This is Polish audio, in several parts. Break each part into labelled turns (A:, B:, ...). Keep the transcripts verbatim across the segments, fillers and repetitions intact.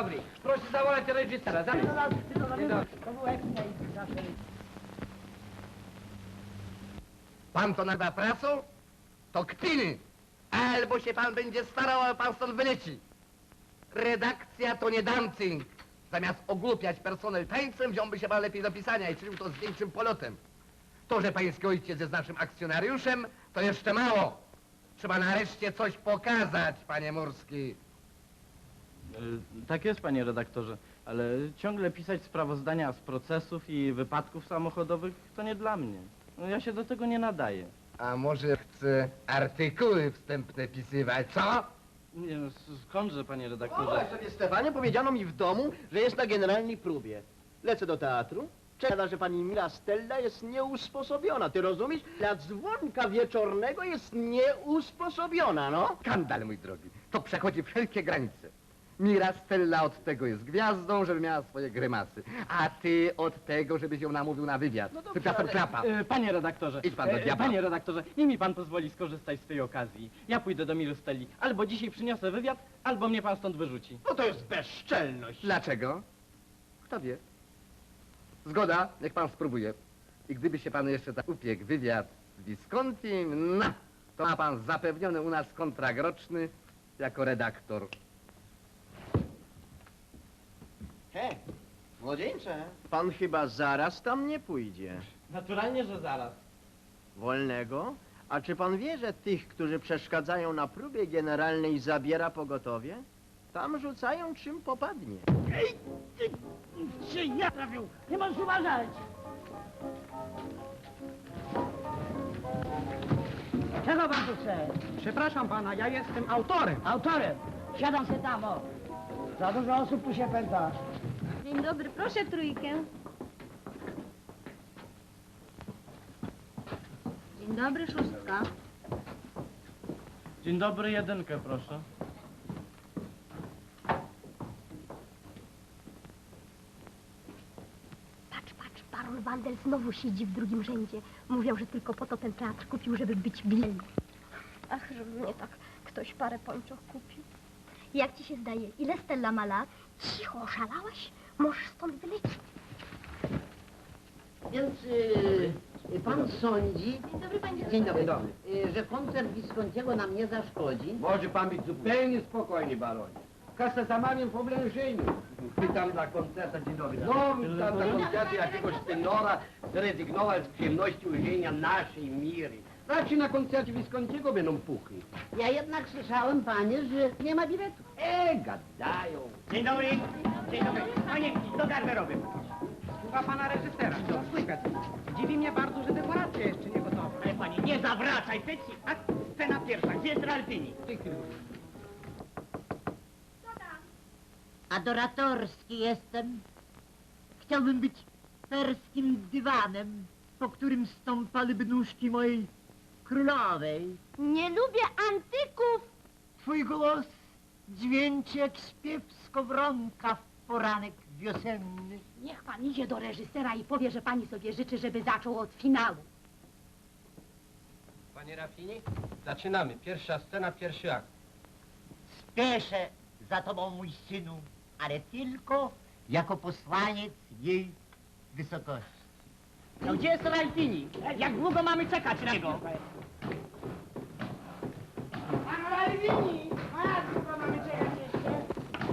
A: dobry. Proszę zawołać reżysera. Dzień dobry.
B: Pan to nazywa pracą? To kpiny! Albo się pan będzie starał, a pan stąd wyleci. Redakcja to nie dancing. Zamiast ogłupiać personel tańcem, wziąłby się pan lepiej do pisania i czynił to z większym polotem. To, że pański ojciec jest naszym akcjonariuszem, to jeszcze mało. Trzeba nareszcie coś pokazać, panie Murski.
C: E, tak jest, panie redaktorze, ale ciągle pisać sprawozdania z procesów i wypadków samochodowych to nie dla mnie. No, ja się do tego nie nadaję.
B: A może chce artykuły wstępne pisywać, co?
C: Nie, no, skądże, panie
D: O,
C: redaktorze?
D: sobie Stefanie, powiedziano mi w domu, że jest na generalnej próbie. Lecę do teatru. Czeka, że pani Mila Stella jest nieusposobiona. Ty rozumiesz? Dla dzwonka wieczornego jest nieusposobiona, no.
B: Skandal, mój drogi. To przechodzi wszelkie granice. Mira Stella od tego jest gwiazdą, żeby miała swoje grymasy. A ty od tego, żebyś ją namówił na wywiad.
D: No dobrze,
B: Tymczasem
D: ale-
B: klapa.
C: E, panie redaktorze,
B: Idź pan do
C: e,
B: diabła.
C: panie redaktorze, niech mi pan pozwoli skorzystać z tej okazji. Ja pójdę do Miry Stelli. Albo dzisiaj przyniosę wywiad, albo mnie pan stąd wyrzuci.
D: No to jest bezczelność.
B: Dlaczego? Kto wie? Zgoda, niech pan spróbuje. I gdyby się pan jeszcze tak upiekł wywiad z Viscontim, no, to ma pan zapewniony u nas kontrakt roczny jako redaktor.
D: He, młodzieńcze. Pan chyba zaraz tam nie pójdzie.
C: Naturalnie, że zaraz.
D: Wolnego? A czy pan wie, że tych, którzy przeszkadzają na próbie generalnej, zabiera pogotowie? Tam rzucają czym popadnie.
E: Czy ja trafił? Nie możesz uważać! Czego pan tu chce?
A: Przepraszam pana, ja jestem autorem.
E: Autorem! Siadam się tam, o! Za dużo osób tu się pęta.
F: Dzień dobry, proszę trójkę. Dzień dobry, szóstka.
C: Dzień dobry, jedynkę proszę.
F: Patrz, patrz, Baron Wandel znowu siedzi w drugim rzędzie. Mówią, że tylko po to ten teatr kupił, żeby być bielny. Ach, żeby mnie tak ktoś parę pończoch kupił. Jak ci się zdaje, ile Stella ma lat? Cicho, oszalałaś? Możesz stąd wylecieć.
G: Więc y, pan sądzi,
F: Dzień dobry, panie
G: dzień dobry,
A: dobry.
G: y, że koncert Viscontiego nam nie zaszkodzi?
A: Może pan być zupełnie spokojny, baronie. Kasa zamawiam w oblężeniu. Pytam dla koncerta, dzień dobry. No, pytam dla koncertu jakiegoś tenora zrezygnować z przyjemności ujrzenia naszej Miry. Raczej na koncercie Viscontiego będą puchy.
G: Ja jednak słyszałem, panie, że nie ma biletu.
A: E, gadają.
E: Dzień dobry! Dzień dobry! Panie, do garderoby.
A: Słucha pana reżysera. Co słychać? Dziwi mnie bardzo, że dekoracja jeszcze nie gotowa.
E: Ale panie, nie zawracaj tyci! A scena pierwsza, gdzie jest Ralfini?
A: Ty chwilę.
G: Adoratorski jestem. Chciałbym być perskim dywanem, po którym stąpałyby nóżki mojej królowej.
F: Nie lubię antyków.
G: Twój głos dźwięczy jak śpiew skowronka w poranek wiosenny.
F: Niech pan idzie do reżysera i powie, że pani sobie życzy, żeby zaczął od finału.
A: Panie Rafini, zaczynamy. Pierwsza scena, pierwszy akt.
G: Spieszę za tobą, mój synu, ale tylko jako posłaniec jej wysokości.
E: No gdzie jest Ralfini? Jak długo mamy czekać na niego? Pan Ralfini! Jak długo mamy czekać jeszcze?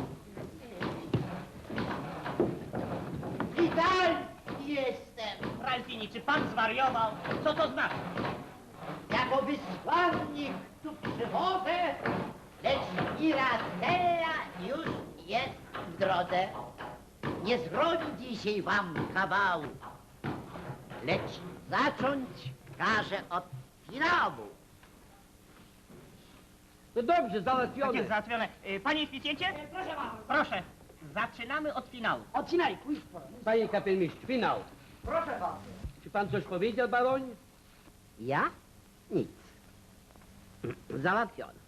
G: Witalski jestem,
E: Ralfini, czy pan zwariował? Co to znaczy?
G: jako wysłannik tu przychodzę, lecz Mirastella już jest w drodze. Nie zrobi dzisiaj wam kawału, lecz zacząć każe od finału.
A: No dobrze,
E: Tak jest
A: załatwione.
E: załatwione. Y, Panie inspicjencie? Proszę pana. Proszę. Zaczynamy od finału.
G: Od finału, pójdź po.
A: Panie kapelmistrz, finał.
G: Proszę bardzo.
A: Czy pan coś powiedział, baronie?
G: Ja? Nic. Załatwione.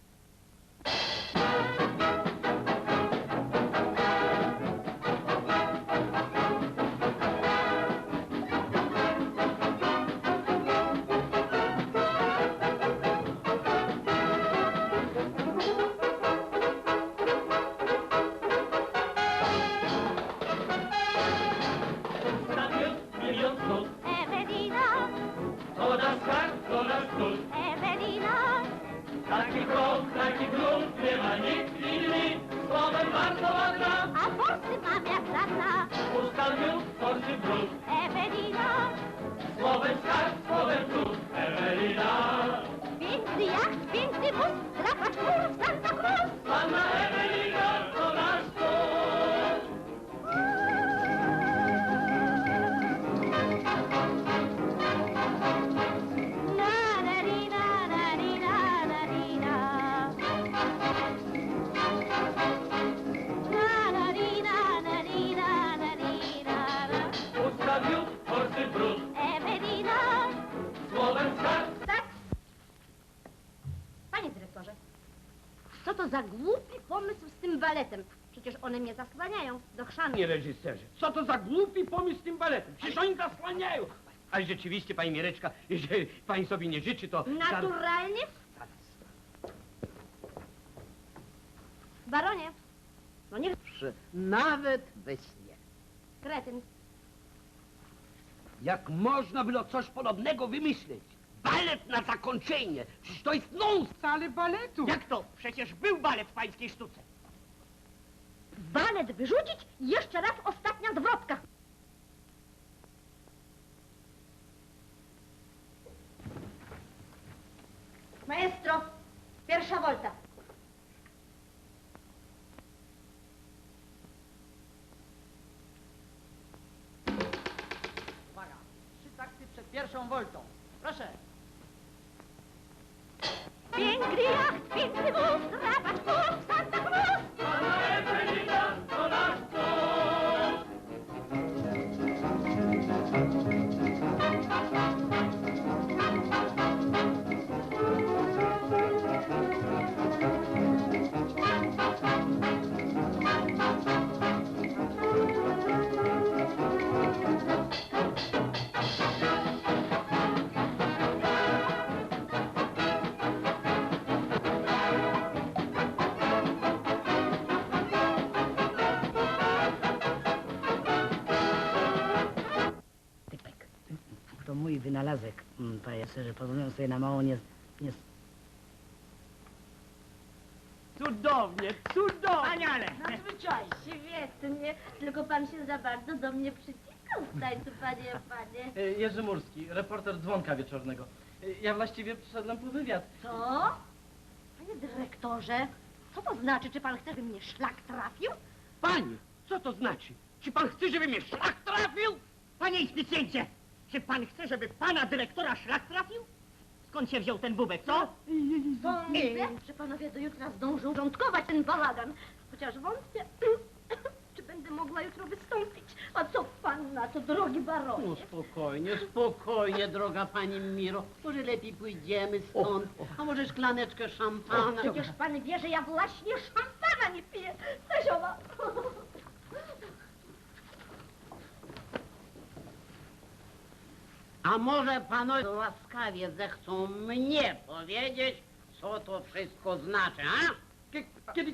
H: Taki krok, taki grunt, nie ma nikt inny. Słowem bardzo ładna,
F: A forsy mam jak żadna.
H: pusta miód, forsy brud.
F: Ewelina,
H: Słowem skarb, słowem trud, Ewelina.
F: piękny jacht, piękny wóz, drapacz królów Santa Cruz.
H: Panna Ewelina to nasz cud.
F: Na, na, ri, na, na, ri, na, na, ri, na. Na, na, ri, na, na, ri, na, na, ri, na, na.
H: Pusta miód, forsy brud.
F: Ewelina.
H: Słowem skarb.
F: Tak? Panie dyrektorze, co to za głupi pomysł z tym baletem? Przecież one mnie zasłaniają do chrzanu.
A: Panie reżyserze, co to za głupi pomysł z tym baletem? Przecież oni zasłaniają. Ale rzeczywiście, pani Mireczka, jeżeli pani sobie nie życzy, to...
F: Naturalnie? Baronie, no nie...
G: Nawet we śnie.
F: Kretyn.
A: Jak można było coś podobnego wymyśleć? Balet na zakończenie! Przecież to jest nonsens!
E: Wcale baletu.
G: Jak to? Przecież był balet w pańskiej sztuce.
F: Balet wyrzucić i jeszcze raz ostatnia zwrotka. Maestro, pierwsza wolta.
G: Uwaga, trzy takty przed pierwszą woltą. Proszę.
F: Piękny jacht, piękny wóz, drapacz królów Santa Cruz.
H: Panna Ewelina to nasz cud.
G: Typek. To mój wynalazek, mm, panie serze. Pozwolę sobie na mało nie... nie...
E: Cudownie, cudownie.
G: Wspaniale!
F: Świetnie, tylko pan się za bardzo do mnie przyciskał w tańcu, panie, panie.
C: E, Jerzy Murski, reporter Dzwonka Wieczornego. E, Ja właściwie przyszedłem po wywiad.
F: Co? Panie dyrektorze, co to znaczy? Czy pan chce, by mnie szlak trafił?
A: Pani, co to znaczy? Czy pan chce, żeby mnie szlak trafił?
E: Panie inspicjencie, czy pan chce, żeby pana dyrektora szlak trafił? Skąd się wziął ten bubek, co?
F: Wątpię, że panowie do jutra zdążą rządkować ten bałagan. Chociaż wątpię, czy będę mogła jutro wystąpić. A co pan na to, drogi baronie?
G: No spokojnie, spokojnie, droga pani Miro. Może lepiej pójdziemy stąd. A może szklaneczkę szampana?
F: Przecież pan wie, że ja właśnie szampana nie piję. Staziowa.
G: A może panowie łaskawie zechcą mnie powiedzieć, co to wszystko znaczy, a?
A: Kiedy...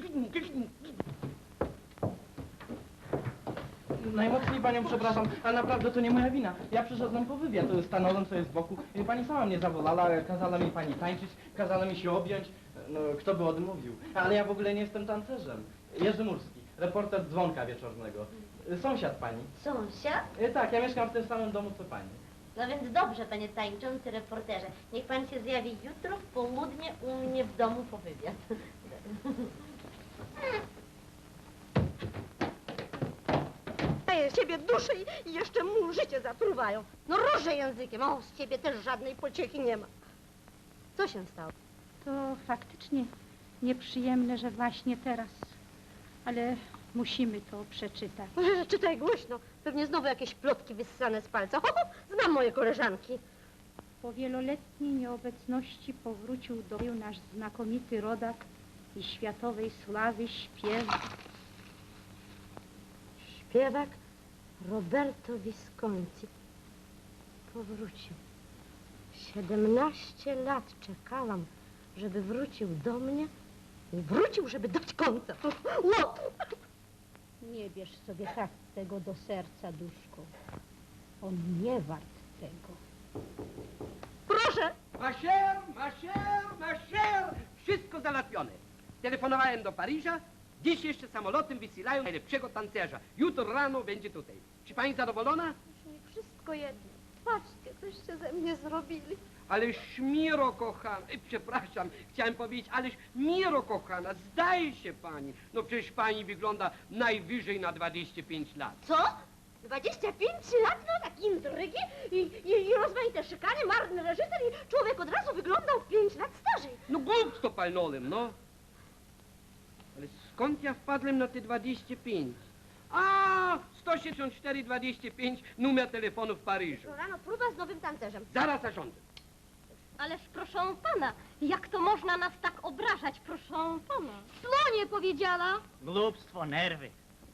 C: Najmocniej panią przepraszam, ale naprawdę to nie moja wina. Ja przyszedłem po wywiad, stanąłem sobie z boku. Pani sama mnie zawolała, kazała mi pani tańczyć, kazała mi się objąć. No, kto by odmówił? Ale ja w ogóle nie jestem tancerzem. Jerzy Murski, reporter Dzwonka Wieczornego. Sąsiad pani.
F: Sąsiad?
C: E, Tak, ja mieszkam w tym samym domu co pani.
F: No więc dobrze, panie tańczący reporterze. Niech pan się zjawi jutro w południe u mnie w domu po wywiad. Z ciebie duszy i jeszcze mu życie zatruwają. No róże językiem, o, z ciebie też żadnej pociechy nie ma. Co się stało?
I: To faktycznie nieprzyjemne, że właśnie teraz, ale musimy to przeczytać.
F: Czytaj głośno, pewnie znowu jakieś plotki wyssane z palca. Ho, ho, znam moje koleżanki.
I: Po wieloletniej nieobecności powrócił do kraju nasz znakomity rodak i światowej sławy śpiewak.
F: Śpiewak Roberto Visconti powrócił. Siedemnaście lat czekałam, żeby wrócił do mnie i wrócił, żeby dać koncert. Łot!
I: Nie bierz sobie tak tego do serca, duszko. On nie wart tego.
F: Proszę,
A: Ma cher, ma cher, ma cher. Wszystko załatwione. Telefonowałem do Paryża. Dziś jeszcze samolotem wysyłają najlepszego tancerza. Jutro rano będzie tutaj. Czy pani zadowolona?
F: Już mi wszystko jedno. Patrzcie, coście ze mnie zrobili.
A: Ależ Miro kochana, e, przepraszam, chciałem powiedzieć, ależ Miro kochana, zdaje się pani. No przecież pani wygląda najwyżej na dwadzieścia pięć lat.
F: Co? dwadzieścia pięć lat, no tak intrygi i, i, i rozmaite szykany, marny reżyser i człowiek od razu wyglądał pięć lat starzej.
A: No głupstwo palnąłem, no. Ale skąd ja wpadłem na te dwadzieścia pięć? A, sto siedemdziesiąt cztery dwadzieścia pięć, numer telefonu w Paryżu.
F: To rano próba z nowym tancerzem.
A: Zaraz zarządzę.
F: Ależ proszę pana, jak to można nas tak obrażać, proszę pana? Slonie powiedziała.
E: Głupstwo, nerwy.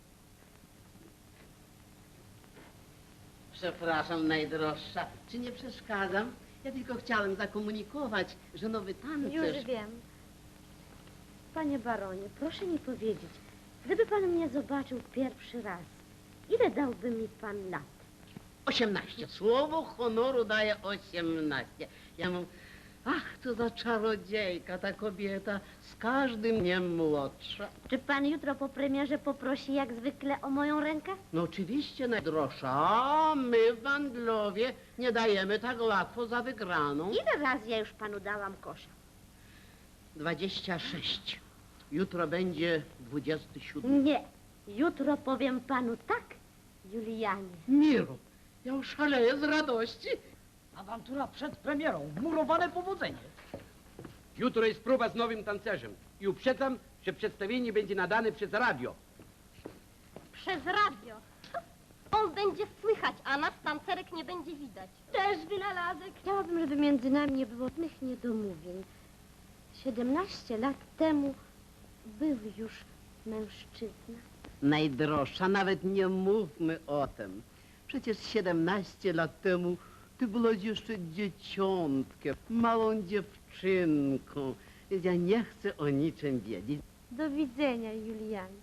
G: Przepraszam, najdroższa, czy nie przeszkadzam? Ja tylko chciałem zakomunikować, że nowy tancerz...
J: Już wiem. Panie baronie, proszę mi powiedzieć, gdyby pan mnie zobaczył pierwszy raz, ile dałby mi pan lat?
G: osiemnaście. Słowo honoru daje osiemnaście. Ja mam... Ach, to za czarodziejka, ta kobieta, z każdym dniem młodsza.
J: Czy pan jutro po premierze poprosi jak zwykle o moją rękę?
G: No oczywiście, najdroższa, a my w Wandlowie nie dajemy tak łatwo za wygraną.
J: Ile razy ja już panu dałam kosza?
G: Dwadzieścia sześć. Jutro będzie dwudziesty siódmy.
J: Nie, jutro powiem panu tak, Julianie.
G: Miro, ja oszaleję z radości.
E: Awantura przed premierą, murowane powodzenie.
A: Jutro jest próba z nowym tancerzem. I uprzedzam, że przedstawienie będzie nadane przez radio.
F: Przez radio. On będzie słychać, a nas tancerek nie będzie widać. Też wynalazek.
J: Chciałabym, żeby między nami nie było żadnych niedomówień. Siedemnaście lat temu był już mężczyzna.
G: Najdroższa, nawet nie mówmy o tym. Przecież siedemnaście lat temu ty byłaś jeszcze dzieciątkiem, małą dziewczynką. Więc ja nie chcę o niczym wiedzieć.
J: Do widzenia, Julianie.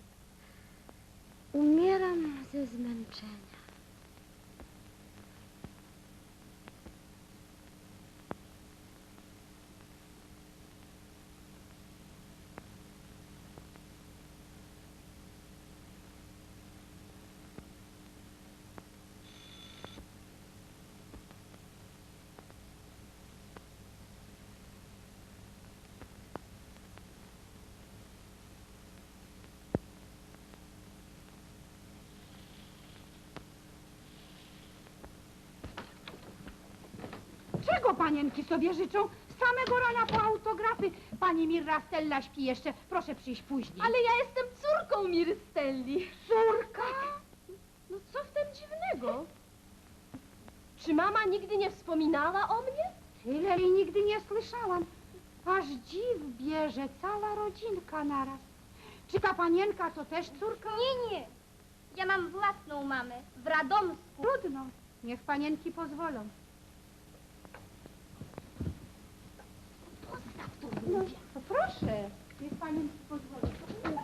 J: Umieram ze zmęczenia.
I: Czego panienki sobie życzą? Z samego rana po autografy. Pani Mirra Stella śpi jeszcze. Proszę przyjść później.
F: Ale ja jestem córką Miry Stelli.
I: Córka?
F: No co w tym dziwnego? Czy mama nigdy nie wspominała o mnie?
I: Tyle jej nigdy nie słyszałam. Aż dziw bierze cała rodzinka naraz. Czy ta panienka to też córka?
F: Nie, nie. Ja mam własną mamę w Radomsku.
I: Trudno. Niech panienki pozwolą. No, to proszę. Niech panienki pozwolą.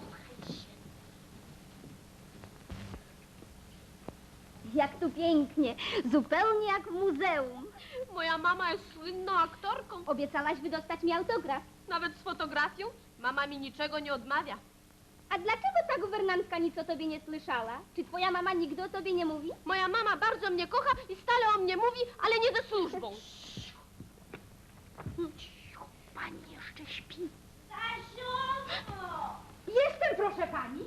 F: Jak tu pięknie, zupełnie jak w muzeum. Moja mama jest słynną aktorką. Obiecałaś wydostać mi autograf. Nawet z fotografią? Mama mi niczego nie odmawia. A dlaczego ta guwernantka nic o tobie nie słyszała? Czy twoja mama nigdy o tobie nie mówi? Moja mama bardzo mnie kocha i stale o mnie mówi, ale nie ze służbą.
I: Pani jeszcze śpi. Jestem, proszę pani.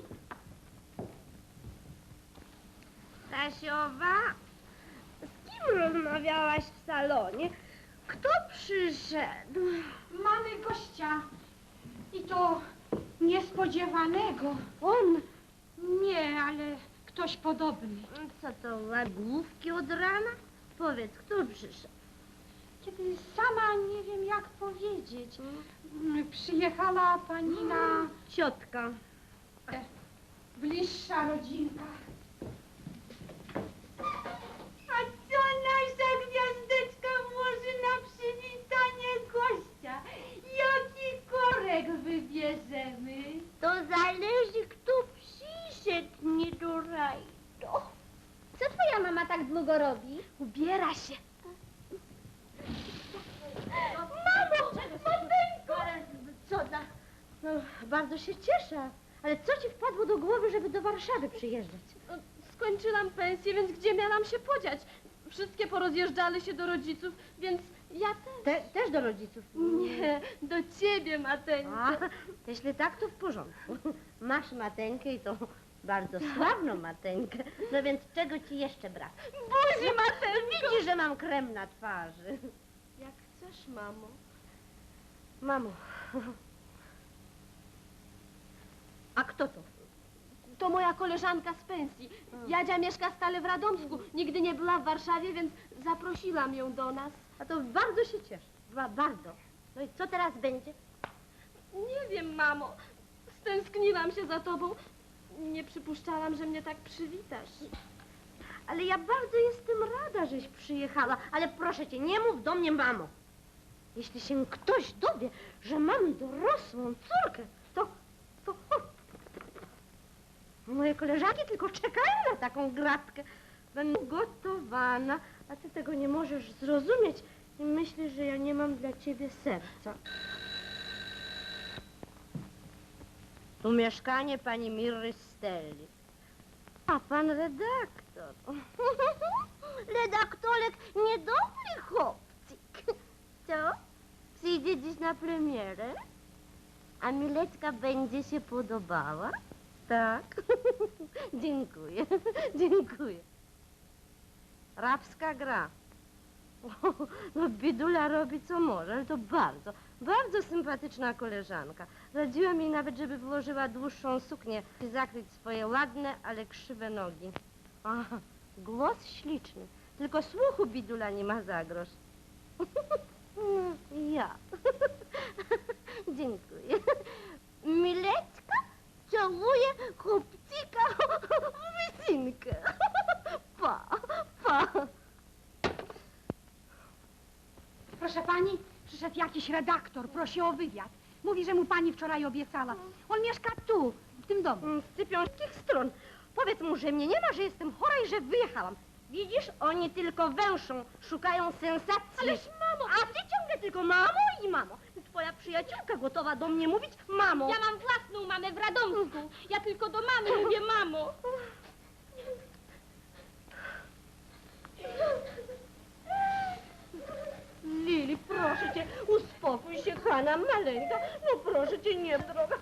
J: Stasiowa, z kim rozmawiałaś w salonie? Kto przyszedł?
I: Mamy gościa. I to niespodziewanego.
J: On?
I: Nie, ale ktoś podobny.
J: Co to, łagłówki od rana? Powiedz, kto przyszedł?
I: Kiedy sama nie wiem, jak powiedzieć. Mm, Przyjechała pani na
J: Ciotka.
I: bliższa rodzinka. A co nasza gwiazdeczka włoży na przywitanie gościa? Jaki korek wybierzemy?
J: To zależy, kto przyszedł, nie do rajdo.
F: Co twoja mama tak długo robi?
J: Ubiera się. cudna. No, bardzo się cieszę. Ale co ci wpadło do głowy, żeby do Warszawy przyjeżdżać?
K: No, skończyłam pensję, więc gdzie miałam się podziać? Wszystkie porozjeżdżali się do rodziców, więc ja też.
J: Te, też do rodziców?
K: Nie, do ciebie, Mateńko.
J: A, jeśli tak, to w porządku. Masz Mateńkę i to bardzo sławną Mateńkę. No więc czego ci jeszcze brak?
K: Buzi, Mateńko!
J: Widzisz, że mam krem na twarzy.
K: Jak chcesz, mamo.
J: Mamo. A kto to?
K: To moja koleżanka z pensji. Jadzia mieszka stale w Radomsku. Nigdy nie była w Warszawie, więc zaprosiłam ją do nas.
J: A to bardzo się cieszę. Ba bardzo. No i co teraz będzie?
K: Nie wiem, mamo. Stęskniłam się za tobą. Nie przypuszczałam, że mnie tak przywitasz.
J: Ale ja bardzo jestem rada, żeś przyjechała. Ale proszę cię, nie mów do mnie, mamo. Jeśli się ktoś dowie, że mam dorosłą córkę, to... to... Moje koleżanki tylko czekają na taką gratkę. Będę gotowana, a ty tego nie możesz zrozumieć i myślisz, że ja nie mam dla ciebie serca. Tu mieszkanie pani Miry Stelli. A pan redaktor. Redaktorek niedobry chłopcik. Co? Przyjdzie dziś na premierę? A Miletka będzie się podobała? Tak. Dziękuję, dziękuję. Rabska gra. O, no Bidula robi co może, ale to bardzo, bardzo sympatyczna koleżanka. Radziłam jej nawet, żeby włożyła dłuższą suknię i zakryć swoje ładne, ale krzywe nogi. Aha, głos śliczny, tylko słuchu Bidula nie ma za grosz. Ja. Dziękuję. Mileczka całuje chłopcika w wycinkę. Pa, pa.
I: Proszę pani, przyszedł jakiś redaktor, prosi o wywiad. Mówi, że mu pani wczoraj obiecała. On mieszka tu, w tym domu.
J: Z cypiąckich stron. Powiedz mu, że mnie nie ma, że jestem chora i że wyjechałam. Widzisz, oni tylko węszą, szukają sensacji.
K: Ależ mamo!
J: A ty ciągle tylko mamo i mamo. Twoja przyjaciółka gotowa do mnie mówić mamo.
K: Ja mam własną mamę w Radomsku. Ja tylko do mamy mówię mamo.
J: Lili, proszę cię, uspokój się, Hanna, maleńka. No proszę cię, nie, droga.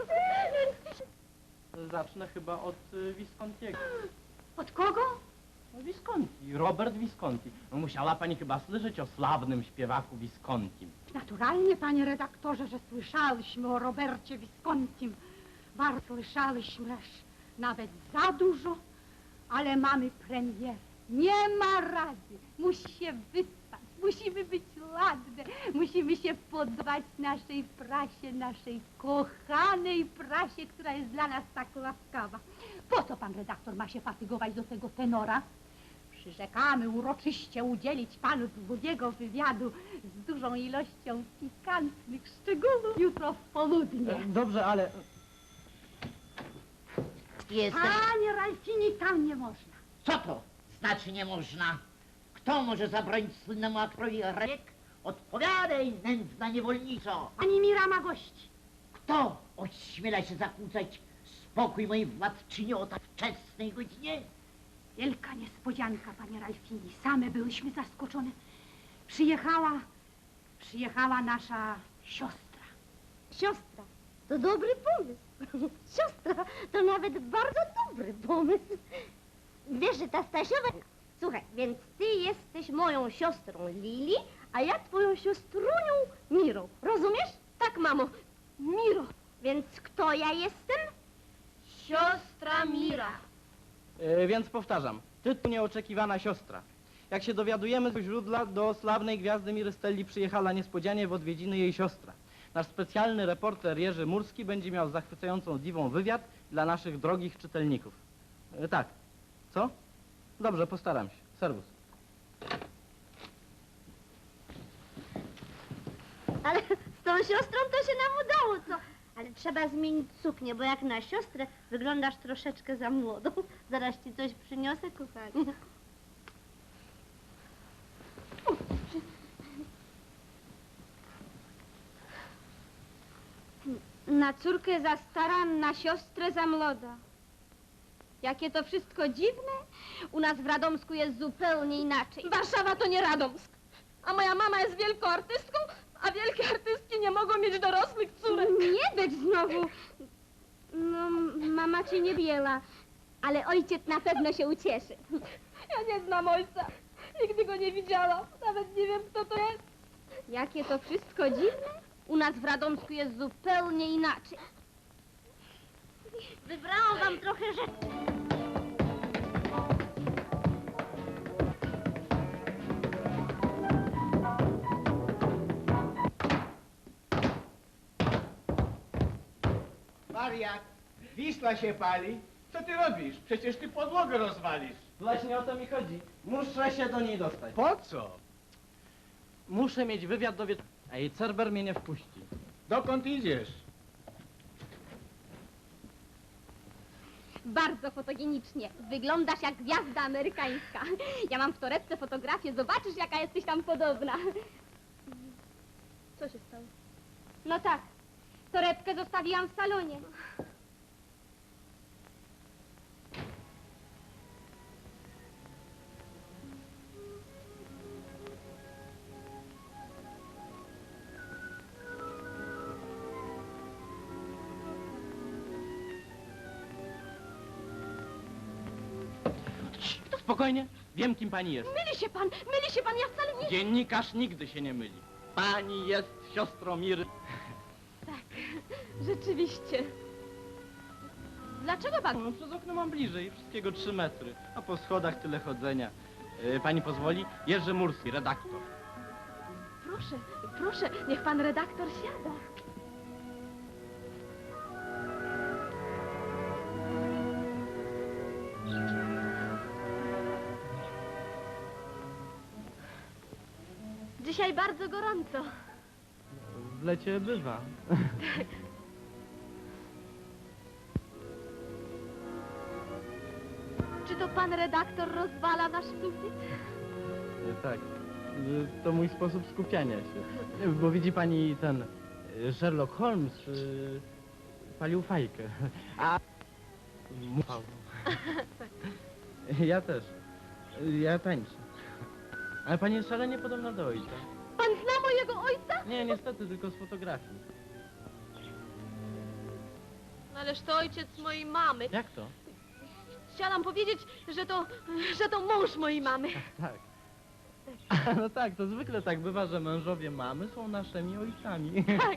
C: Zacznę chyba od y, Viscontiego.
I: Od kogo?
C: No, Visconti, Robert Visconti. No, musiała pani chyba słyszeć o sławnym śpiewaku Viscontim.
I: Naturalnie, panie redaktorze, że słyszałyśmy o Robercie Viscontim. Bardzo słyszałyśmy, aż nawet za dużo, ale mamy premierę. Nie ma rady. Musi się wyspać, musimy być ładne, musimy się podobać naszej prasie, naszej kochanej prasie, która jest dla nas tak łaskawa. Po co pan redaktor ma się fatygować do tego tenora? Przyrzekamy uroczyście udzielić panu długiego wywiadu z dużą ilością pikantnych szczegółów jutro w południe.
C: Dobrze, ale...
G: Jesteś...
I: Panie Ralfini, tam nie można.
E: Co to znaczy nie można? Kto może zabronić słynnemu aktorowi rek? Odpowiadaj, nędzna niewolnico!
I: Pani Mira ma gości.
E: Kto ośmiela się zakłócać spokój mojej władczyni o tak wczesnej godzinie?
I: Wielka niespodzianka, panie Ralfini. Same byłyśmy zaskoczone. Przyjechała, przyjechała nasza siostra.
J: Siostra, to dobry pomysł. Siostra, to nawet bardzo dobry pomysł. Wiesz, że ta Stasiowa... Słuchaj, więc ty jesteś moją siostrą Lili, a ja twoją siostrunią Mirą. Rozumiesz? Tak, mamo. Miro. Więc kto ja jestem?
K: Siostra Mira.
C: E, więc powtarzam, tytuł Nieoczekiwana siostra. Jak się dowiadujemy z źródła, do sławnej gwiazdy Miry Stelli przyjechała niespodzianie w odwiedziny jej siostra. Nasz specjalny reporter Jerzy Murski będzie miał zachwycającą diwą wywiad dla naszych drogich czytelników. E, tak. Co? Dobrze, postaram się. Serwus.
J: Ale z tą siostrą to się nam udało, co? Ale trzeba zmienić suknię, bo jak na siostrę wyglądasz troszeczkę za młodą. Zaraz ci coś przyniosę, kochanie. Hmm.
F: Na córkę za stara, na siostrę za młoda. Jakie to wszystko dziwne. U nas w Radomsku jest zupełnie inaczej.
K: Warszawa to nie Radomsk. A moja mama jest wielką artystką, a wielkie artystki nie mogą mieć dorosłych córek.
F: Nie być znowu. No, mama cię nie biela, ale ojciec na pewno się ucieszy.
K: Ja nie znam ojca. Nigdy go nie widziałam. Nawet nie wiem, kto to jest.
F: Jakie to wszystko dziwne. U nas w Radomsku jest zupełnie inaczej.
J: Wybrałam wam trochę rzeczy.
L: Wariat, Wisła się pali. Co ty robisz? Przecież ty podłogę rozwalisz.
C: Właśnie o to mi chodzi. Muszę się do niej dostać.
L: Po co?
C: Muszę mieć wywiad do wieczoru, a jej Cerber mnie nie wpuści.
L: Dokąd idziesz?
F: Bardzo fotogenicznie. Wyglądasz jak gwiazda amerykańska. Ja mam w torebce fotografię, zobaczysz jaka jesteś tam podobna.
K: Co się stało?
F: No tak, torebkę zostawiłam w salonie.
C: Spokojnie, wiem kim pani jest.
K: Myli się pan, myli się pan, ja wcale nie...
C: Dziennikarz nigdy się nie myli. Pani jest siostrą Miry.
K: Tak, rzeczywiście. Dlaczego pan...
C: No, przez okno mam bliżej, wszystkiego trzy metry, a po schodach tyle chodzenia. E, pani pozwoli? Jerzy Murski, redaktor.
K: Proszę, proszę, niech pan redaktor siada. Dzisiaj bardzo gorąco.
C: W lecie bywa.
K: Czy to pan redaktor rozwala nasz sufit?
C: E, tak, e, to mój sposób skupiania się. E, Bo widzi pani, ten e, Sherlock Holmes e, palił fajkę, a... Mufał. Ja też. E, Ja tańczę. Ale pani jest szalenie podobna do ojca.
K: Pan zna mojego ojca?
C: Nie, niestety, tylko z fotografii.
K: Ależ to ojciec mojej mamy.
C: Jak to?
K: Chciałam powiedzieć, że to, że to mąż mojej mamy.
C: Tak. No tak, to zwykle tak bywa, że mężowie mamy są naszymi ojcami.
K: Tak.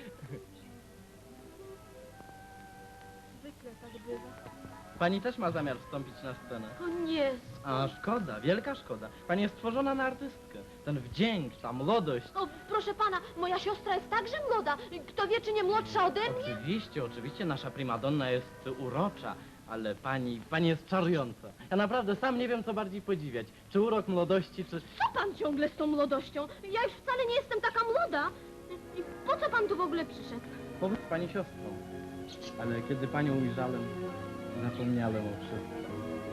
K: Zwykle tak bywa.
C: Pani też ma zamiar wstąpić na scenę.
K: O nie,
C: A szkoda, wielka szkoda. Pani jest stworzona na artystkę. Ten wdzięk, ta młodość.
K: o, proszę pana, moja siostra jest także młoda. Kto wie, czy nie młodsza ode mnie?
C: Oczywiście, oczywiście nasza primadonna jest urocza, ale pani, pani jest czarująca. Ja naprawdę sam nie wiem, co bardziej podziwiać. Czy urok młodości, czy...
K: Co pan ciągle z tą młodością? Ja już wcale nie jestem taka młoda. I po co pan tu w ogóle przyszedł?
C: Powiedz pani siostrą. Ale kiedy panią ujrzałem, zapomniałem o wszystkim.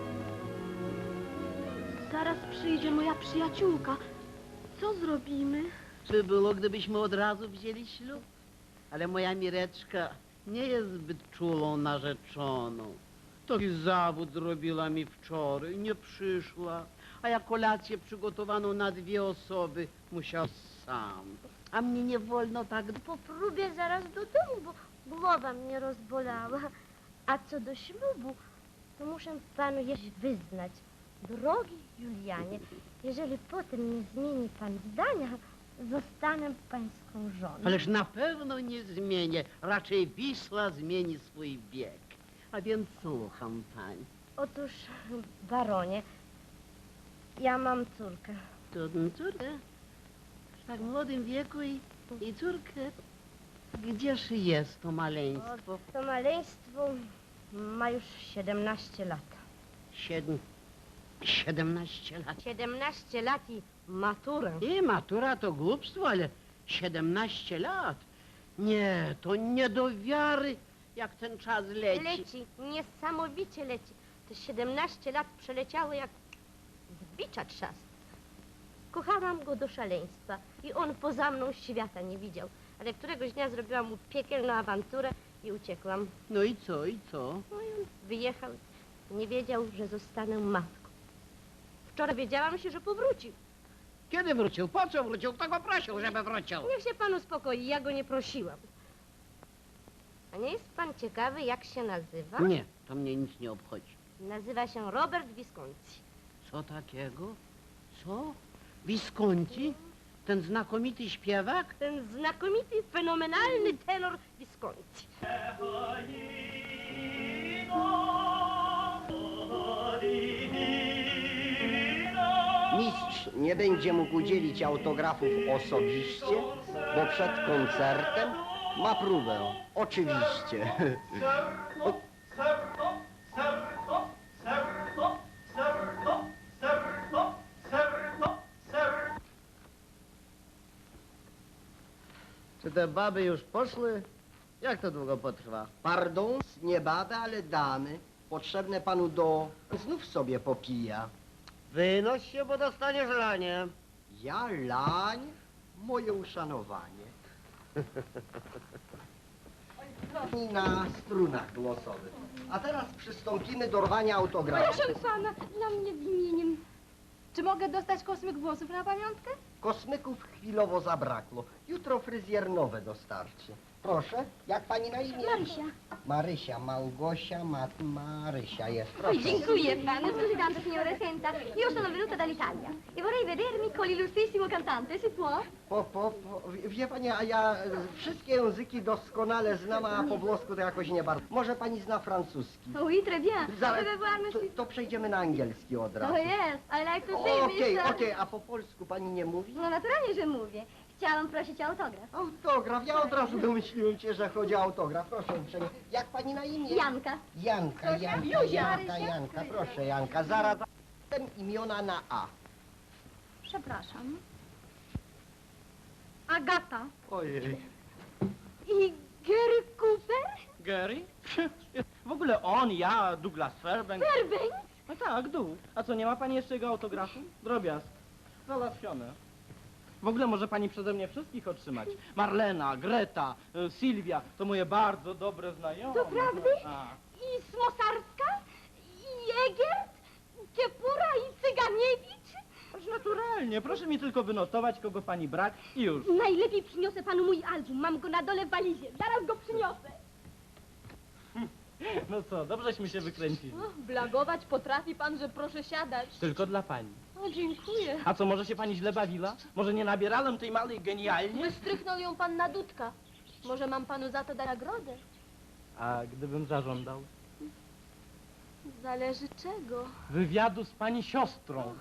K: Zaraz przyjdzie moja przyjaciółka. Co zrobimy?
G: By było, gdybyśmy od razu wzięli ślub. Ale moja Mireczka nie jest zbyt czulą narzeczoną. Taki zawód zrobiła mi wczoraj, nie przyszła. A ja kolację przygotowaną na dwie osoby musiał sam. A mnie nie wolno tak...
J: Po próbie zaraz do domu, bo głowa mnie rozbolała. A co do ślubu, to muszę panu jeszcze wyznać. Drogi Julianie, jeżeli potem nie zmieni pan zdania, zostanę pańską żoną.
G: Ależ na pewno nie zmienię. Raczej Wisła zmieni swój bieg. A więc słucham pani.
J: Otóż, baronie, ja mam córkę.
G: Trudną córkę? W tak młodym wieku i, i córkę. Gdzież jest to maleństwo?
J: To maleństwo ma już siedemnaście lat.
G: Siedm... siedemnaście lat.
J: siedemnaście lat i maturę.
G: I matura to głupstwo, ale siedemnaście lat? Nie, to nie do wiary, jak ten czas leci.
J: Leci, niesamowicie leci. Te siedemnaście lat przeleciało jak z bicza trzask. Kochałam go do szaleństwa i on poza mną świata nie widział. ale któregoś dnia zrobiłam mu piekielną awanturę i uciekłam.
G: No i co, i co?
J: No i on wyjechał, nie wiedział, że zostanę matką. Wczoraj wiedziałam się, że powrócił.
G: Kiedy wrócił? Po co wrócił? Kto go prosił, żeby wrócił?
J: Niech się pan uspokoi, ja go nie prosiłam. A nie jest pan ciekawy, jak się nazywa?
G: Nie, to mnie nic nie obchodzi.
J: Nazywa się Robert Visconti.
G: Co takiego? Co? Visconti? Ten znakomity śpiewak?
J: Ten znakomity, fenomenalny tenor Visconti.
D: Mistrz nie będzie mógł udzielić autografów osobiście, bo przed koncertem ma próbę. Oczywiście. O,
H: Serno, serno, serno, serno, serno, serno, serno.
B: Czy te baby już poszły? Jak to długo potrwa?
D: pardon, nie baby, ale damy. Potrzebne panu do... Znów sobie popija.
B: Wynoś się, bo dostaniesz lanie.
D: Ja lań, moje uszanowanie. I na strunach głosowych. A teraz przystąpimy do rwania autografu.
K: Proszę pana, dla mnie imieniem. Czy mogę dostać kosmyk włosów na pamiątkę?
D: Kosmyków chwilowo zabrakło. Jutro fryzjer nowe dostarczy. Proszę, jak pani na imię?
F: Marysia.
D: Marysia, Małgosia, Mat Marysia jest.
F: Oh,
D: Proszę.
F: dziękuję panu. Scusi tanto, signore Senta. Io sono venuta dall'Italia e vorrei vedermi con l'illustrissimo cantante, si può?
D: Po, po, po, wie- wie pani, a ja e, wszystkie języki doskonale znam, a po włosku to jakoś nie bardzo. Może pani zna francuski?
F: Oui, très bien.
D: Zaraz,
F: Pouvez voir,
D: to,
F: monsieur?
D: to przejdziemy na angielski od razu.
F: Oh yes, I like to see
D: Okej,
F: mister.
D: okej, a po polsku pani nie mówi?
F: No naturalnie, że mówię. Chciałam prosić o autograf.
D: Autograf, ja od razu domyśliłem się, że chodzi o autograf. Proszę uprzejmie. Jak pani na imię?
F: Janka.
D: Janka, Janka,
F: Józia.
D: Janka,
F: Marysia.
D: Janka, proszę Janka, zaraz dam imiona na A.
I: Przepraszam. Agata.
D: Ojej.
J: I Gary Cooper?
C: Gary? W ogóle on, ja, Douglas Fairbanks.
J: Fairbanks?
C: No tak, dół. A co, nie ma pani jeszcze jego autografu? Drobiazg. Załatwione. W ogóle może pani przeze mnie wszystkich otrzymać. Marlena, Greta, y, Sylwia, to moje bardzo dobre znajome.
J: Doprawdy?
C: A.
J: I Smosarska? I Egert? Kiepura i Cyganiewicz?
C: Ależ naturalnie, proszę mi tylko wynotować, kogo pani brak i już.
J: Najlepiej przyniosę panu mój album. Mam go na dole w walizie. Zaraz go przyniosę.
C: No co, dobrześmy się wykręcili.
K: O, blagować potrafi pan, że proszę siadać.
C: Tylko dla pani.
K: O, dziękuję.
C: A co, może się pani źle bawiła? Może nie nabierałem tej małej genialnie?
K: Wystrychnął ją pan na dudka. Może mam panu za to dać nagrodę?
C: A gdybym zażądał?
K: Zależy czego.
C: Wywiadu z pani siostrą.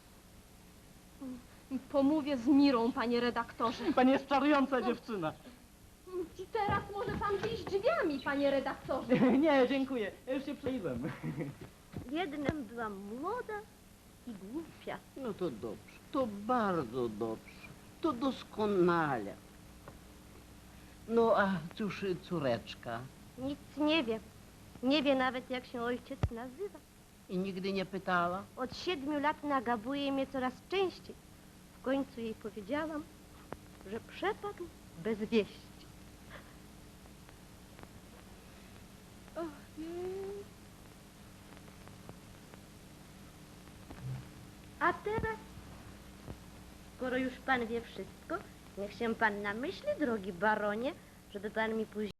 K: Pomówię z Mirą, panie redaktorze.
C: Pani jest czarująca dziewczyna.
K: Teraz może pan wyjść drzwiami, panie redaktorze.
C: Nie, dziękuję. Ja już się przejdę.
J: Jednym byłam młoda i głupia.
G: No to dobrze, to bardzo dobrze, to doskonale. No a cóż córeczka?
J: Nic nie wie. Nie wie nawet, jak się ojciec nazywa.
G: I nigdy nie pytała?
J: Od siedmiu lat nagabuje mnie coraz częściej. W końcu jej powiedziałam, że przepadł bez wieści. A teraz, skoro już pan wie wszystko, niech się pan namyśli, drogi baronie, żeby pan mi później